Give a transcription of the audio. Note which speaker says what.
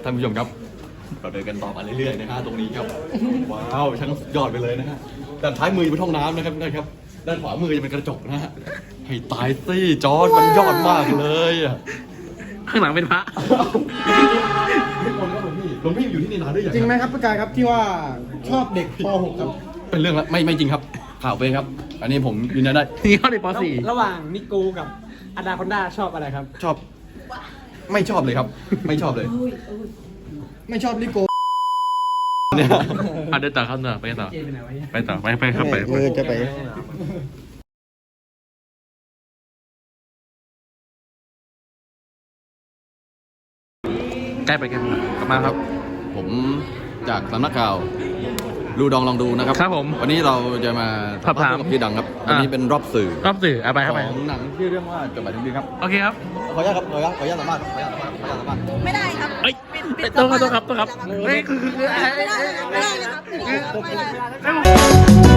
Speaker 1: ท่านผู้ชมครับเราเดินกันต่อมาเรื่อยๆนะฮะตรงนี้ครับว้าวช่างสุดยอดไปเลยนะฮะด้านท้ายมือเป็นห้องน้ำนะครับนะครับด้านขวามือจะเป็นกระจกนะฮะให้ตายสิจอร์จมันยอดมากเลยอ่ะ
Speaker 2: ข้างหลังเป็นพระ
Speaker 1: หลวงพี่อยู่ที่นี่นานหรือยัง
Speaker 3: จริงไหมครับพี่กายครับที่ว่าชอบเด็กป .6 ครับ
Speaker 1: เป็นเรื่องละไม่จริงครับข่าวเป็นครับ อันนี้ผมยืนยันได้
Speaker 2: นี่เขาในป
Speaker 3: ระหว่างนิโก้กับอนาคอนดาชอบอะไรครับ
Speaker 1: ชอบ ไม่ชอบเลยครับ ไม่ชอบเลย
Speaker 3: ไม่ชอบนิโก้
Speaker 1: เนี่ย
Speaker 2: .4 เดินต่อครับเนอะไปต่อ ไปต่อไปครับไป
Speaker 3: จะไป
Speaker 2: ใกล้ไปกันกลับมาครับ
Speaker 1: ผมจากสำนักข่าวดูดองลองดูนะครับ
Speaker 2: ครับผม
Speaker 1: วันนี้เราจะมา
Speaker 2: สอบถาม
Speaker 1: กับพี่ดังครับวันนี้เป็นรอบสื่อ
Speaker 2: รอบสื่อไป
Speaker 1: ข
Speaker 2: ครับไป
Speaker 1: องหนังชื่อเรื่องว่าจดหมายถึงดินครับ
Speaker 2: โอเคครับ
Speaker 1: ขออนุญาตครับขออนุญาตสัมภาษณ์ขออนุญาตสัมภาษณ์ขออนุญาตสัมภาษณ์
Speaker 4: ไม่ได้ครับ
Speaker 2: เอ้ย
Speaker 4: ปิด
Speaker 2: ต้องครับเฮ้ยคือ
Speaker 4: ไม่ได้เลยครับไม่ได้เลยครับไม่ได้เลยครับ